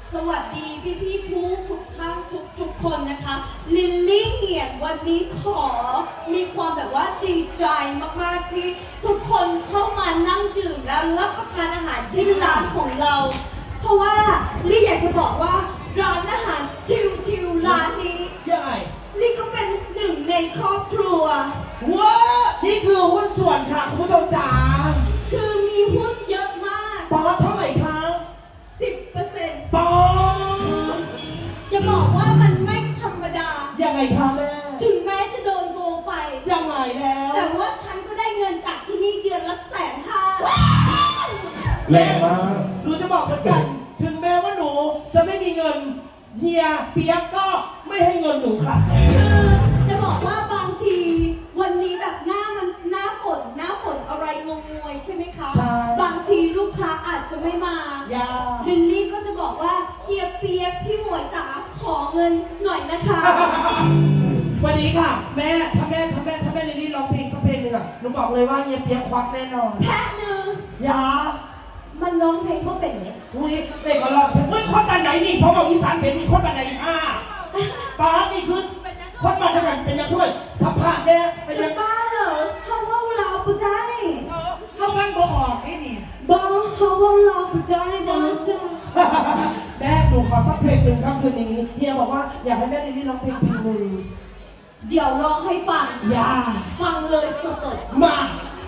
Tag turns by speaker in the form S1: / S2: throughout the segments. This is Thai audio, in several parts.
S1: สวัสดีพี่ทุกท่านทุกคนนะคะลิลลี่เหียนวันนี้ขอมีความแบบว่าดีใจมากๆที่ทุกคนเข้ามานั่งดื่มและรับประทานอาหารที่ร้านของเราเพราะว่าลี่อยากจะบอกว่าร้านอาหารชิวๆร้านนี้
S2: ยังไง
S1: ลี่ก็เป็นหนึ่งในครอบครัว
S2: ว้านี่คือหุ้นส่วนค่ะคุณผู้ชมจ๋า
S1: คือมีหุ้นเยอะมาก
S2: ปอเท่าไหร่คะ
S1: 10%
S2: ปอ
S1: จะบอกว่ามันไม่ธรรมดา
S2: ยังไงคะแม่
S1: ถึงแม้จะโดนโกงไป
S2: ยังไงแล้ว
S1: แต่ว่าฉันก็ได้เงินจากที่นี่เดือนละ150,000
S2: แรงมากหนูจะบอกฉันกันถึงแม้ว่าหนูจะไม่มีเงินเฮียเปียกก็ไม่ให้เงินหนูค่ะ
S1: คือจะบอกว่าบางทีวันนี้แบบหน้าฝนอะไรงงๆใช่ไหมคะ
S2: ใช่
S1: บางทีลูกค้าอาจจะไม่มาลินลี่ก็จะบอกว่าเฮียเปียกพี่หมวยจ๋าขอเงินหน่อยนะคะ
S2: วันนี้ค่ะแม่ถ้าแม่ลิลลี่ร้องเพลงสักเพลงหนึ่งอ่ะหนูบอกเลยว่าเฮียเปียกควักแน่นอน
S1: แพ้หนึ่ง
S2: ยา
S1: มันร้องเพลงว่าเป็นเนี่ย
S2: อุ้ยเด็กก็ร้องเฮ้ยคนบ้านไหนนี่ผมบอกอีสานเป็นนี่คนบ้านไหนป้านี่คือคนบ้านเดียวกันเป็นยังช่วยทับผ่านแน่เป็นยัง
S1: บ้าเหรอเขาว่าเราปุได้
S3: เขาฟังบ่ออกนี่
S1: บอกเขาว่าเราปุได้นะจ๊ะ
S2: แม่หนูขอสักเพลงหนึ่งครับคืนนี้เฮียบอกว่าอยากให้แม่ลิลลี่ร้องเพลงหนึ่ง
S1: เดี๋ยวร้องให้ฟัง
S2: อย่า
S1: ฟังเลยสด
S2: ๆมา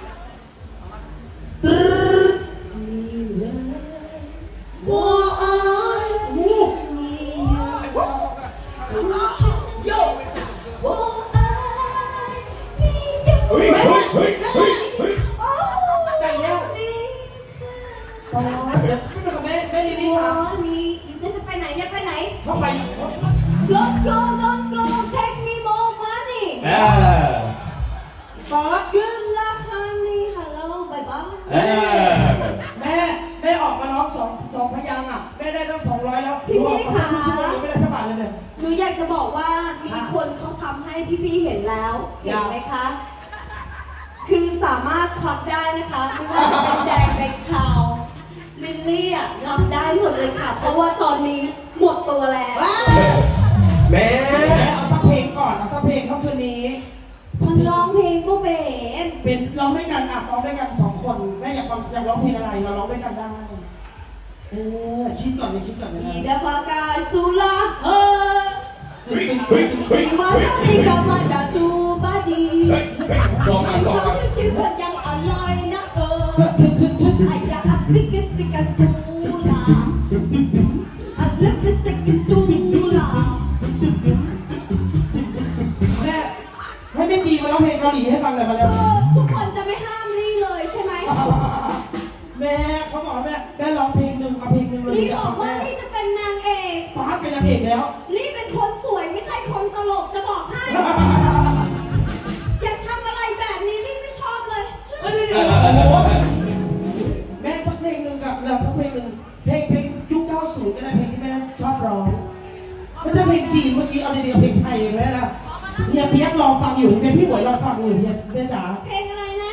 S2: เข้าไป
S1: Don't go take me more money
S2: ป๊า
S1: Good luck honey hello bye bye
S2: แม่ออกมาร้องสองพยางค์อ่ะแม่ได้ตั้ง200แล้ว
S1: พี่ค่ะ
S2: ไม่ได้เท่าบาทเลยเนี่ย
S1: หนูอยากจะบอกว่ามีคนเขาทำให้พี่เห็นแล้วเห็นไหมคะคือสามารถควักได้นะคะไม่ว่าจะเป็นแดงเป็นขาวลิลลี่อ่ะรับได้หมดเลยค่ะเพราะว่าตอนนี้หมดตัวแล้ว
S2: แม่เอาสักเพลงก่อนเอาสักเพลงครับคืนนี้
S1: มันร้องเพลงก็
S2: เป็นร้องด้วยกันร้องด้วยกัน2คนแม่อยากร้องเพลงอะไรเราร้องด้วยกันได้คิดก่อนนะ
S1: อีดาปากาสุลาเฮ้ยว่าทำดีกับมันดาจูบาดี
S3: ลองกัน
S1: ชื่อคนยังอร่อยนะไอ้ยาอัดติกิสิกันตูลาอัดเล็บติกินตูลา
S2: แม่ให้แม่จีมาร้องเพลงเกาหลีให้ฟังหน่อยมาแล้ว
S1: ทุกคนจะไม่ห้ามลี่เลยใช่ไหม
S2: แม่เขาบอกแม่ร้องเพลงหนึ่งเอาเพลงหนึ่งเลย
S1: ลี่บอกว่าลี่จะเป็นนางเอก
S2: ป้าเป็นนางเอกแล้ว
S1: ลี่เป็นคนสวยไม่ใช่คนตลกจะบอกให้อย่าทำอะไรแบบนี้ลี่ไม่ชอบเลย
S2: แม่สักเพลงหนึ่งกับเราสักเพลงหนึ่งเพลงยุค90ก็ได้เพลงที่แม่ชอบร้องไม่ใช่เพลงจีนเมื่อกี้เอาดีๆเพลงไทยแม่นะเฮียเปียกรอฟังอยู่เป็นพี่หวยรอฟังอยู่เฮียแม่จ๋า
S1: เพลงอะไรนะ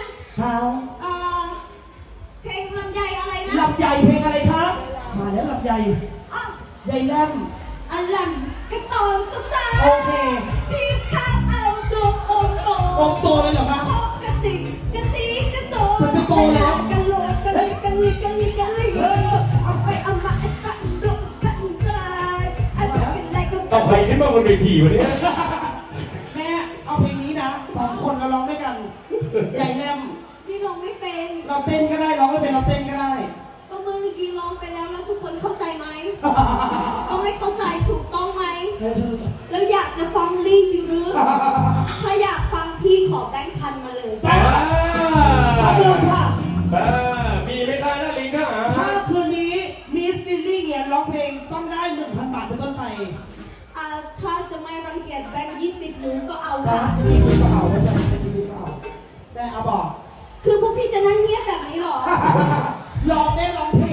S1: เพลงลำไยอะไรนะ
S2: ลำไยเพลงอะไรครับมาแล้วลำไยใยแลม
S1: ลำกระตอนสาว
S2: โอเค
S1: พี่ข้าเอาดวงองโต
S2: องโตเลยเหรอครับ
S1: กระจิกกระตีกระโต
S2: กระโตเลย
S1: กันโลกันลิเอาไปเอามาไอ้ปะดุกันไกลไอ้ปะกันไรก็
S3: ต่อไปที่มาบนเวทีวันนี้
S2: แม่เอาเพลงนี้นะ2คนเราร้องด้วยกันใหญ่แลม
S1: นี่ร้องไม่เป็น
S2: เราเต้นก็ได้ร้องไม่เป็นเราเต้นก็ได้
S1: ก็เมื่อกี้ร้องไปแล้วทุกคนเข้าใจไหมก็ไม่เข้าใจถูกต้องไหมแล้วอยากจะฟังรีวิวหรือถ้าอยากฟังพี่ขอแบงค์พันมาเลย
S2: มาดูค่ะ
S3: มีไม่ได้นะลิงค่ะ
S2: ถ้าคืนนี้มิสลิลลี่เนี่ยร้องเพลงต้องได้ 1,000 บาทเป็นต้นไป
S1: ถ้าจะไม่รังเกียจแบงค์20หนูก็เอาค่ะ
S2: 20ก็เอาไม่ใช่20ก็เอาแม่เอาบอก
S1: คือพวกพี่จะนั่งเงียบแบบนี้หรอ
S2: ลองแม่ร้องเพล